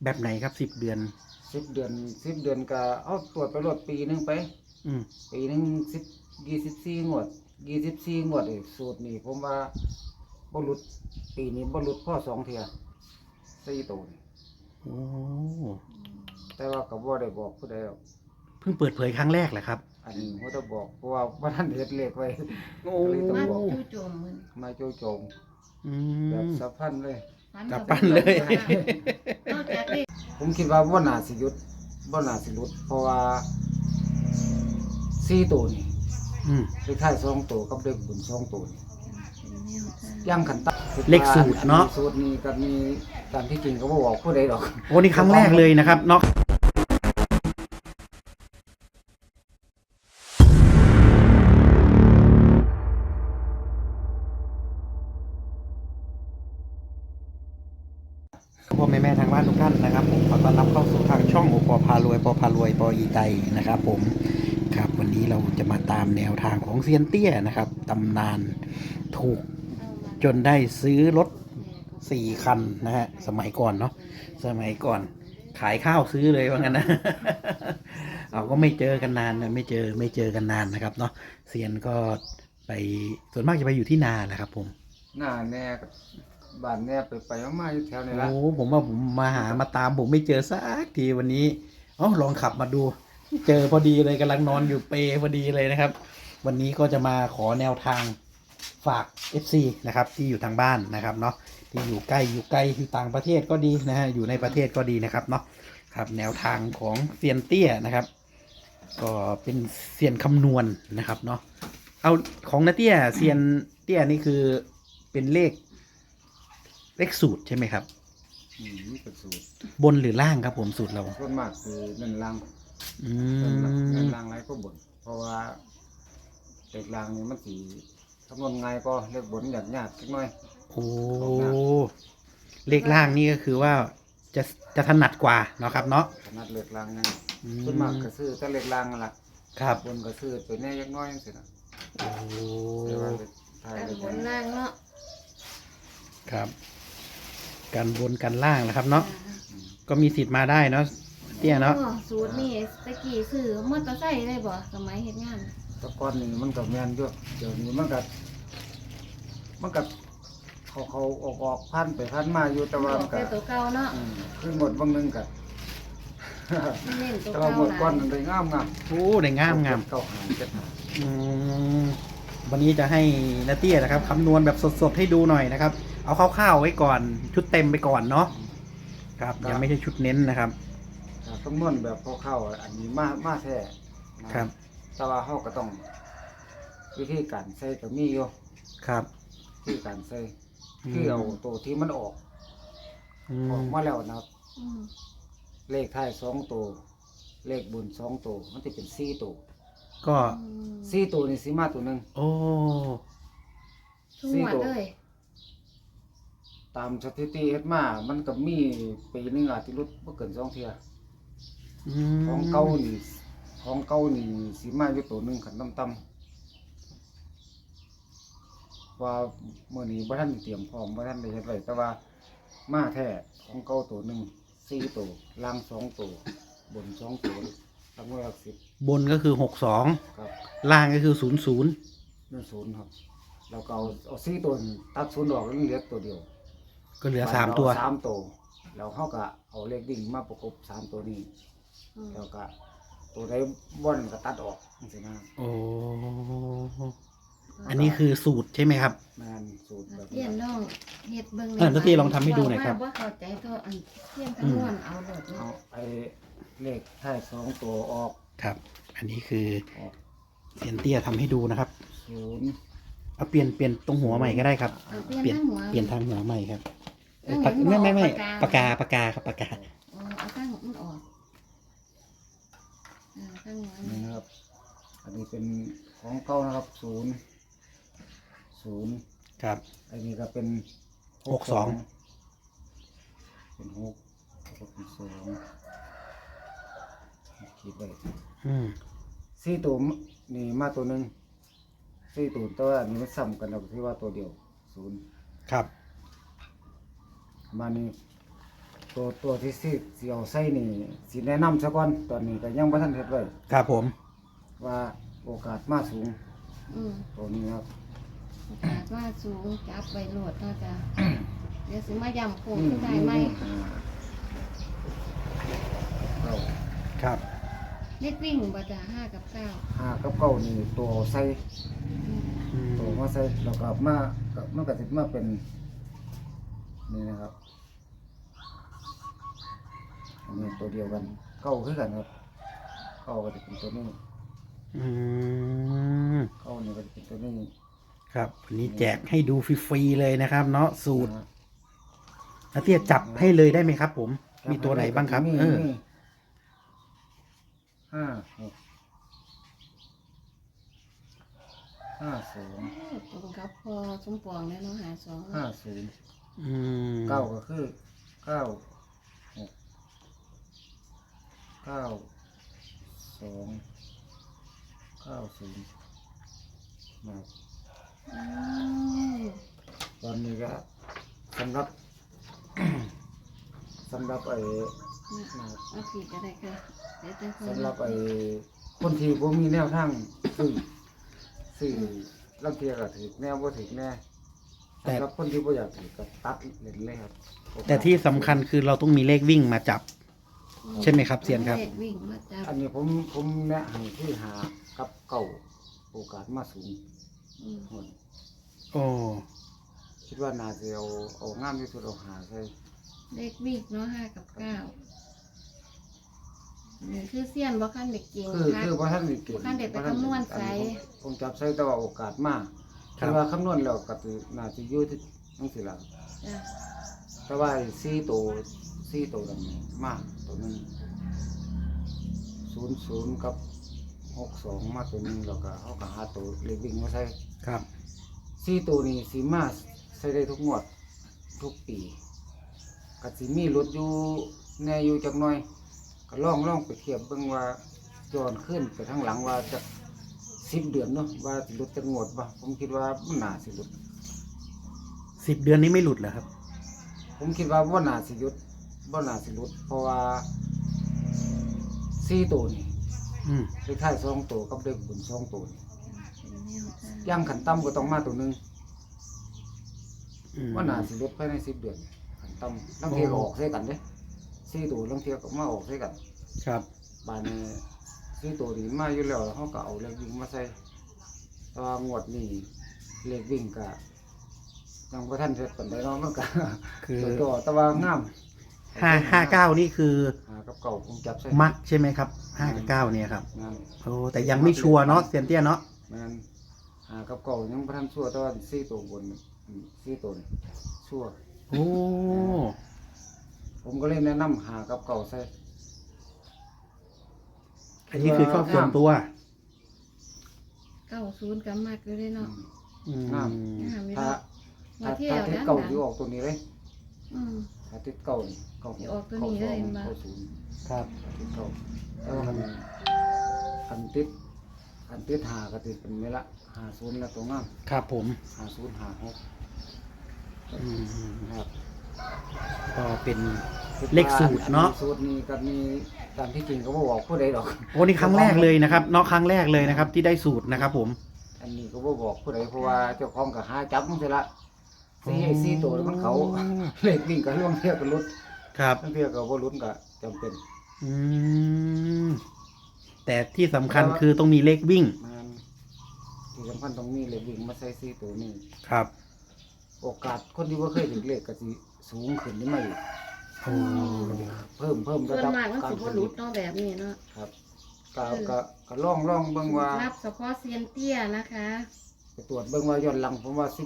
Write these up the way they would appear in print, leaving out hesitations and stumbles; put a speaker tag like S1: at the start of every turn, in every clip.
S1: แบบไหนครับ10 เดือน
S2: 10 เดือนก็เอาตรวจไปรถปีหนึงไป
S1: อืม
S2: ปีหนึง24 งวดเองสูตรนี่ผมว่าบ่หลุดปีนี้บ่หลุดพ่อ2 เที่ย4 ตัวนี่
S1: โอ้
S2: แต่ว่าก็บ่ได้บอกผู้ใดหรอก
S1: เพิ่งเปิดเผยครั้งแรกแหละครับ
S2: อันนี้บ่ต้องบอกเพราะว่าบ่ทันเฮ็ดเลขไว้
S1: โอ้
S2: ก็เลยต้อง
S3: มา
S2: บอก
S3: จู่โจมมัน
S2: มาโจโจม
S1: อื
S2: แบบ
S1: ม
S2: สะพันเลย
S1: จับปั้นเลย
S3: นอกจากเลข
S2: ผมคิดว่าบ่น่าสิหยุดบ่น่าสิหลุดเพราะว่า4 ตัวนี่
S1: อืม
S2: เลขท้าย2 ตัวกับเลขบน2 ตัวนี่
S3: เป็นแนวทาง
S2: ย่างขันตา
S1: เลขสูตรเนาะ
S2: สูตรนี้ก็มีตามที่จริงก็บ่บอกผู้ใดดอก
S1: โอ้นี่ครั้งแรกเลยนะครับเนาะพ่อแม่ทางบ้านทุกท่านนะครับผมขอต้อนรับเข้าสู่ทางช่องโอปอพารวยปอพารวยปออีไตนะครับผมครับวันนี้เราจะมาตามแนวทางของเซียนเตี้ยนะครับตำนานถูกจนได้ซื้อรถ4 คันนะฮะสมัยก่อนเนาะสมัยก่อนขายข้าวซื้อเลยว่างั้นนะ เราก็ไม่เจอกันนานนะไม่เจอกันนานนะครับเนาะเซียนก็ไปส่วนมากจะไปอยู่ที่นาแหละครับผม
S2: หน้าแน่กับบ้านแน่ไปมาๆอยู่แถวนี้ละ
S1: โอ้ผมว่าผมมาตามผมไม่เจอสักทีวันนี้ลองขับมาดู เจอพอดีเลยกำลังนอนอยู่เปรพอดีเลยนะครับ วันนี้ก็จะมาขอแนวทางฝาก FC นะครับที่อยู่ทางบ้านนะครับเนาะที่อยู่ไกลที่ต่างประเทศก็ดีนะฮะอยู่ในประเทศก็ดีนะครับเนาะครับแนวทางของเซียนเตี้ยนะครับ ก็เป็นเซียนคำนวณนะครับเนาะเอาของนาเตี้ยเซียนเตี้ยนี่คือเป็นเลขสูตรใช่ไหมครับ
S2: นี่เป็นสูตร
S1: บนหรือล่างครับผมสูตรเรา
S2: ส่วนมากคือเน้นล่าง
S1: อื
S2: เน้น
S1: ม
S2: ล่างไรก็บนเพราะว่าเลขล่างนี่มันสิคำนวณง่ายก็เลขบนยากสักหน่อย
S1: โอ้เลขล่างนี่ก็คือว่าจะถนัดกว่าเนาะครับเนาะ
S2: ขนาดเลขล่างยัง
S1: อื
S2: ส่วนมากก็ซื้อแต่เลขล่างนั่นล่ะ
S1: ครับ
S2: บนก็ซื้อไปแน่ยักน้อยจังซี่นะ
S1: โอ้
S2: แต่ว่าเลขท้าย
S3: แต่
S2: เลข
S3: บบ น
S2: น
S3: ล่างเนาะ
S1: ครับกันบนกันล่างนะครับเนาะก็มีสิทธิ์มาได้เนาะเตี้ยเนาะ
S3: โอ้สูตรนี่ตะกี้ซื้อมอเตอร์ไซค์ได้บ่สมัยเฮ็ดงาน
S2: แตะก้อนนี่มันก็แม่นอยู่เดี๋ยวนี้มันก็เขาออกพันไปพันมาอยู่แต่ว่า
S3: บ
S2: มั
S3: อน ก
S2: ก็
S3: แต่ตัวเก่าเนาะ
S2: คือหมดบางนึงก็
S3: เน้นตัว
S2: แต่ว่า
S3: เก่า
S2: หมด
S3: หลา
S2: ก้อน
S3: ย
S2: มันได้งาม
S1: โอ้ได้งาม
S2: เก่าหางเจ็ดหาง
S1: อืมวันนี้จะให้นาเตี้ยนะครับคำนวณแบบสดๆให้ดูหน่อยนะครับ เอาคร่าวๆไว้ก่อนชุดเต็มไปก่อนเนาะครับยังไม่ใช่ชุดเน้นนะครับ
S2: คำนวณแบบเข้าๆอันนี้มาแท้นะครับ แต่ว่าเฮาก็ต้องวิธีการใส่ก็มีอยู่
S1: ครับ
S2: วิธีการใส่คือเอาตัวที่มันออก
S1: อื
S2: ออก
S1: ม
S2: มาแล้วนะครับ
S3: อืม
S2: เลขท้าย2ตัวเลขบน2ตัวมันจะเป็น4ตัว
S1: ก็
S2: 4ตัวนี่สิมาตัวหนึง
S1: โอ้
S3: ทุกหมวดเลย
S2: ตามสถิติเฮ็ดมามันก็มีปีหนึงอาจสิหลุดบ่เกิน2เที่ย
S1: อืม
S2: ของเก่านี่สิมาอยู่ตัวหนึงคันต่ำว่ามื้อนี้บ่ทันเตรียมพร้อมบ่ทันได้เฮ็ดไว้แต่ว่ามาแท้ของเก่าตัวหนึง4ตัวล่าง2ตัวบน2ตัวรางวัลหลัก10
S1: บนก็คือ62
S2: ครับ
S1: ล่างก็คือ00
S2: นั่น0ครับแล้วก็เอา4ตัวนี่ตัด0ออกแล้วเหลือตัวเดียว
S1: ก็เหลือ3 ตัว
S2: สามตัวแล้วเขาก็เอาเลขดิ่งมาประกบ3ตัวนี้
S3: อืม
S2: แล้วก็ตัวใดบ่อนก็ตัดออกจังซี่นะ
S1: โอ้อันนี้คือสูตรใช่ไหมครับ
S2: แม่นสูตรแบบ
S3: เทียนน้องเฮ็ดเบิ่ง
S1: นาตี้ลองทำให้ดูหน่อยครับ
S3: ว่าเข้าใจตัวอันเทียนคำนวณเอาโลด
S2: เอา
S3: เนาะ
S2: ไอ้เลขท้าย2ตัวออก
S1: ครับ อันนี้คือ
S2: ออก
S1: เซียนเตี้ยทำให้ดูนะครับ
S2: 0
S1: เอาเปลี่ยนตรงหัวใหม่ก็ได้ครับ
S3: เอาเปลี่ยนทั้งหัว
S1: เปลี่ยนทางหัวใหม่ครับ
S3: เอาเห็นบอก
S1: ไม่
S3: ปากกา
S1: ปากกาครับปากกา
S3: อ๋อเอาตั้งมันออกตั้งหัว
S2: นี่
S3: นี่
S2: นะครับ อันนี้เป็นของเก่านะครับ0
S1: ครับ
S2: อันนี้ก็เป็น
S1: 62
S2: เป็น6แล้วก็เป็น2คิดไว้
S1: อืม
S2: 4ตัวนี่มาตัวหนึง4ตัวแต่ว่าอันนี้มันซ้ำกันแล้วที่ว่าตัวเดียว0
S1: ครับ
S2: มานี่ตัวที่สิเอาใส่นี่สิแนะนำซะก่อนตอนนี้ก็ยังบ่ทันเฮ็ดไว้
S1: ครับผม
S2: ว่าโอกาสมาสูง
S3: อืม
S2: ตัวนี้ครับ
S3: โอกาสว่าสูงจับไปโหลดเนาะจ้ะ เดี๋ยวสิมาย้ำโค้งขึ้นได้ไหม
S2: เก้า
S1: ครับ
S3: เล็กวิ่งบ่จ้ะ5 กับ 9
S2: ห้ากับเก้านี่ตัวใส่
S3: อืม
S1: อืม
S2: ตัวมาใส่แล้วก็มาก็มันก็สิมาเป็นนี่นะครับอันนี้ตัวเดียวกันเก้าคือกันครับเก้าก็จะเป็นตัวนี้
S1: อืม
S2: เก้านี่ก็จะเป็นตัวนี้
S1: ครับวันนี้แจกให้ดูฟรีๆเลยนะครับ เนาะสูตร
S2: นะฮะ
S1: อาเตี้ยจับให้เลยได้ไหมครับ ผม มีตัวไหนบ้างครับ
S2: มี
S1: เออ
S2: มีห้าหกห้าสอง
S3: ตรงกับพอสมปองเลยเนาะ52
S2: ห้าศูนย์
S1: อืม
S2: เก้าก็คือเก้าหกเก้าสองเก้าศูนย์นะ
S3: อืม
S2: ตอนนี้ก็สำหรับ สำหรับไอ้
S3: นะเอาสีก็ได้ค่ะเดี๋ยวจะค่อย
S2: สำหรับไอ้คนที่ผมมีแนวทางซื้อลังเทียก็ถือแนวบ่ถือแน่สำหรับคนที่บ่อยากถือก็ตัดเล่นเลยครับ
S1: แต่ที่สำคัญคือเราต้องมีเลขวิ่งมาจับ ใช่ไหมครับเซียนครับ
S3: เลขวิ่งมาจับ
S2: อันนี้ผมแนะให้คือหากับเก่าโอกาสมาสูง
S3: อืม
S2: หมด
S1: โอ้
S2: คิดว่าน่าจะเอางามที่สุดเอาหาใส่
S3: เลขวิ่งเนาะ5 กับ 9นี่คือเสี้ยนบ่คันเด็กเก่ง
S2: คือว่าท่านนี่เก่ง
S3: ท่านเด็กไปคำนวณใส่
S2: ผมจับใส่แต่ว่าโอกาสมากคือว่าคำนวณแล้วก็ถือน่าจะอยู่ที่นั่นสิล่ะ
S3: จ้ะ
S2: แต่ว่า4ตัวนั้นมากตัวนึง00กับ62มาตัวนึงแล้วก็เขาก็หาตัวเลขวิ่งมาใส่
S1: ครับ
S2: 4ตัวนี้สิมาใส่ได้ทุกงวดทุกปีก็สิมีรถอยู่แน่อยู่จักหน่อยก็ลองไปเทียบเบิ่งว่าย้อนขึ้นไปทางหลังว่าจะ10 เดือนเนาะว่าสิลดจักงวดบ่ผมคิดว่ามันน่าสิลด
S1: 10 เดือนนี้ไม่หลุดเหรอครับ
S2: ผมคิดว่าบ่น่าสิหยุดบ่น่าสิลดเพราะว่า4ตัวนี่
S1: อืม
S2: เลขท้าย2ตัวกับเลขบน2ตัวนี่
S3: เป็นแนวทาง
S2: ย่างขันต่ำก็ต้องมาตัวหนึง
S1: อืม
S2: ว่าน่าสิลดภายใน10 เดือนขันต่ำลังเทียก็ออกใส่กันเด้4ตัวลังเทียก็มาออกใส่กัน
S1: ครับ
S2: บานนี้4ตัวนี้มาอยู่แล้วเฮาก็เอาเลขวิ่งมาใส่แต่ว่างวดนี้เลขวิ่งก็ยังบ่ทันเสร็จปานใดเนาะมันก็
S1: คือ
S2: ตัวแต่ว่างาม
S1: 559นี่คือ
S2: หากับเก่าผมจับใส่
S1: มักใช่ไหมครับ5กับ9เนี่ยครับ
S2: งาม
S1: โอ้แต่ยังไม่ชัวร์เนาะเซียนเตี้ยเนาะ
S2: แม่นหากับเก่ายังบ่ทันชั่วแต่ว่า4ตัวบน4ตัวนี่ชั่ว
S1: โอ้
S2: ผมก็เลยแนะนำหากับเก่าใส่
S1: อันนี้คือชอบส่วนตัว
S3: 90กับมากอยู่เลยเนาะ
S1: อืม
S2: งาม
S3: งามอยู่
S2: ถ้า
S3: เนาะ
S2: ถ้าติดเก่าอยู่ออกตัวนี้เลย
S3: อืม
S2: ถ้าติดเก่านี่เก่า
S3: สิออกตัวนี้เลยมา
S2: เก่าศูนย์
S1: ครับ
S2: ติดเก่าแล้วคันติดหาก็ติดเป็นเวลา50แล้วตัวงาม
S1: ครับผม
S2: 50 56
S1: อืม
S2: ครับ
S1: ก็เป็นเลขสูตรเนาะ
S2: อัสูตรนี้ก็มีตามที่จริงก็บ่บอกผู้ใดดอก
S1: โอ้นี่ครั้งแรกเลยนะครับเนาะครั้งแรกเลยนะครับ ที่ได้สูตรนะครับผม
S2: อันนี้ก็บ่บอกผู้ใดเพราะว่าเจ้าของก็หาจับมันสิละสี่ตัวมันเขา เลขวิ่งก็ล่วงเที่ยวก็ลุด
S1: ครับ
S2: ล่วงเที่ยวก็บ่ลุดก็จำเป็น
S1: อืมแต่ที่สำคัญคือต้องมีเลขวิ่ง
S2: มันที่สำคัญต้องมีเลขวิ่งมาใส่สี่ตัวนี้
S1: ครับ
S2: โอกาสคนที่บ่เคยถึงเลขก็สิสูงขึ้นได้มาอีก
S1: โอ้
S2: เพิ่ม
S3: ส่
S2: ระ
S3: วน
S2: ดับ
S3: มากมัน
S2: การ
S3: สิบ่
S2: ผ
S3: หลุ
S2: ลิ
S3: ด
S2: ต
S3: เนาะแบบนี้เนาะ
S2: ครับก็ลองเบิ่งว่า
S3: รับเฉพาะเซียนเตี้ยนะคะ
S2: ไปตรวจเบิ่งว่าย้อนหลังผมว่า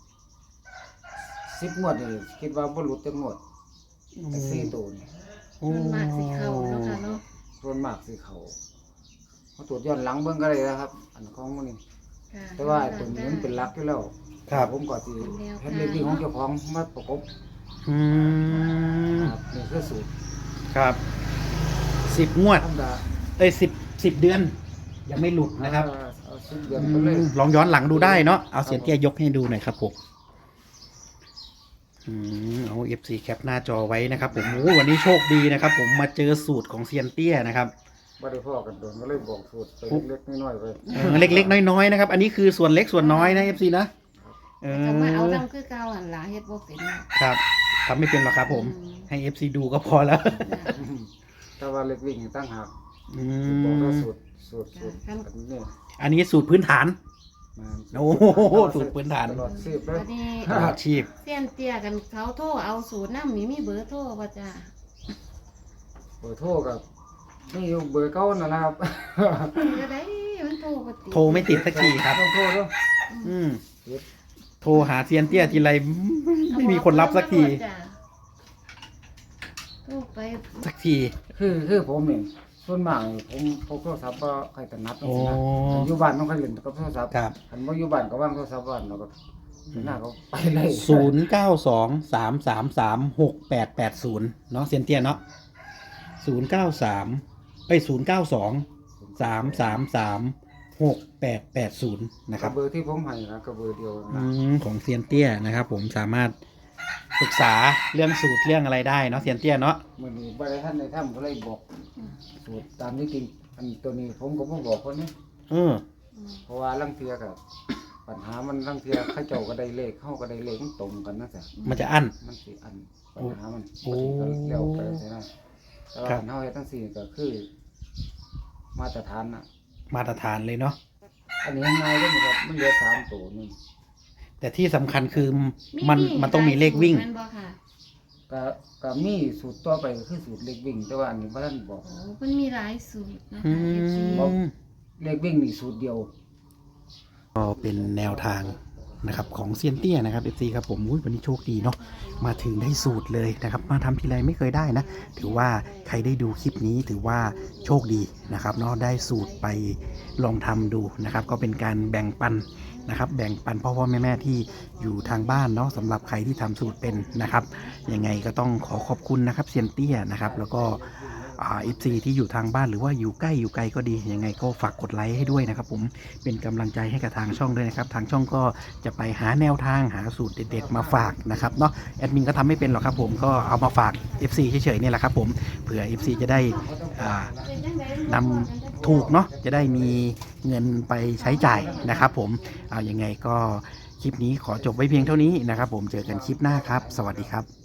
S2: 10งวดนี่คิดว่าบ่หลุดจักงวดแต่สี่ตัวนี่
S1: โอ้
S3: ส่วนมากสิเข้าเนาะค่ะเนาะ
S2: ส่วนมากสิเขาตรวจย้อนหลังเบิ่งก็ได้นะครับ อันของมันนี่
S3: ค่ะ
S2: แต่ว่าไอ้ตัวนี้มันเป็นหลักอยู่แล้ว
S1: ครับ
S2: ผมก็สิเฮ็ดเลขวิ่งของเจ้าของมาประกบ
S1: อืม
S2: ครับนี่คือสูตร
S1: ครับ10 งวด
S2: ธรรมดา
S1: 10 เดือน ยังไม่หลุดนะครับ
S2: เอา10 เดือนไปเลย
S1: ลองย้อนหลังดูได้เนาะเอาเสียนเตี้ยยกให้ดูหน่อยครับผมเอา FC แคปหน้าจอไว้นะครับผมโอ้วันนี้โชคดีนะครับ ผมมาเจอสูตรของเซียนเตี้ยนะครับ
S2: บ่ได้พ่อกันโดนก็เลยบอกสูตรไปเล็กๆน้อยๆไป
S1: เล็กๆน้อยๆนะครับ อันนี้คือส่วนเล็กส่วนน้อยนะ FC นะ
S3: จะมาเอาดำคือเก่าหันหลาเฮ็ดบ่เป็นเนาะ
S1: ครับทำไม่เป็นหรอกครับผมให้ FC ดูก็พอแล้ว
S2: แต่ว่าเล็กวิ่งตั้งหาก
S1: อื
S2: บอกว่าม สูตรนี่
S1: อันนี้สูตรพื้นฐาน
S2: มา
S1: โอ้โหสูตรพื้นฐาน
S2: ตลอดสิบเลย
S3: อันนี้
S1: ตลอดชีพ
S3: เสี้ยนเตี้ยกันเขาโทรเอาสูตรน้ำมีเบอร์โทรบ่จ้า
S2: เบอร์โทรกับนี่อยู่เบอร์เก้านั่นแหละครับ
S3: จะได้มันโทรบ่ติด
S1: โทรไม่ติดสักทีครับ
S2: ต้องโทรด้วย
S1: อืมโทรหาเซียนเตี้ยทีไรไม่มีคนรับสักที
S3: โทรไป
S1: สักที
S2: คือผมเองส่วนมากผมพกโทรศัพท์ก็ใครถนัด
S1: โอ้
S2: อยู่บ้านต้องใครเล่นกับโทรศัพท์
S1: ครับ
S2: คันว่าอยู่บ้านก็ว่างโทรศัพท์บ้านเราก็หน้าเขาไปเลย
S1: 0923336880เนาะเซียนเตี้ยเนาะ09303336880นะครับ
S2: เบอร์ที่ผมให้นะก็เบอร์เดียวนะ
S1: ของเซียนเตี้ยนะครับ ผมสามารถปรึกษาเรื่องสูตรเรื่องอะไรได้เนาะเซียนเตี้ยเนาะ
S2: มื่อนี้บริท่านในถ้ำก็เลยบอกสูตรตามที่จริงอันตัวนี้ผมก็บ่บอกคนนี้ เพราะว่าลังเทียกับปัญหามันลังเทียเข้าเจ้าก็ได้เลขเข้าก็ได้เลขมันตรงกันนะจ๊ะ
S1: มันจะอั้น
S2: มันสิอันปัญหามัน
S1: โอ้
S2: ก็เร็วไปใช่ไหมแต่ว่า
S1: ครับ
S2: อันเฮาเฮ็ดทั้งสี่ก็คือ มาตรฐานนะ
S1: มาตรฐานเลยเนาะ
S2: อันนี้ง่ายเลยนะครับมันเหลือ3ตัวนึง
S1: แต่ที่สำคัญคือมันต้องมีเลขวิ่ง
S3: แม่นบ่ค่ะ
S2: ก็มีสูตรต่อไปก็คือสูตรเลขวิ่ง แต่ว่าอันนี้บ่ทันบอก
S3: โอ้มันมีหลายสูตรนะ
S1: อื
S3: คะ FC
S1: ม
S2: เลขวิ่งนี่สูตรเดียว
S1: ก็เป็นแนวทางนะครับของเซียนเตี้ยนะครับ FC ครับผมอุ๊ยวันนี้โชคดีเนาะมาถึงได้สูตรเลยนะครับมาทำทีไรไม่เคยได้นะถือว่าใครได้ดูคลิปนี้ถือว่าโชคดีนะครับเนาะได้สูตรไปลองทำดูนะครับก็เป็นการแบ่งปันนะครับแบ่งปันพ่อแม่ที่อยู่ทางบ้านเนาะสำหรับใครที่ทำสูตรเป็นนะครับยังไงก็ต้องขอขอบคุณนะครับเซียนเตี้ยนะครับแล้วก็FC ที่อยู่ทางบ้านหรือว่าอยู่ใกล้อยู่ไกลก็ดียังไงก็ฝากกดไลค์ให้ด้วยนะครับผมเป็นกำลังใจให้กับทางช่องด้วยนะครับทางช่องก็จะไปหาแนวทางหาสูตรเด็ดๆมาฝากนะครับเนาะแอดมินก็ทำไม่เป็นหรอกครับผมก็เอามาฝาก FC เฉยๆเนี่ยแหละครับผมเผื่อ FC จะได้นำถูกเนาะจะได้มีเงินไปใช้จ่ายนะครับผมเอายังไงก็คลิปนี้ขอจบไว้เพียงเท่านี้นะครับผมเจอกันคลิปหน้าครับสวัสดีครับ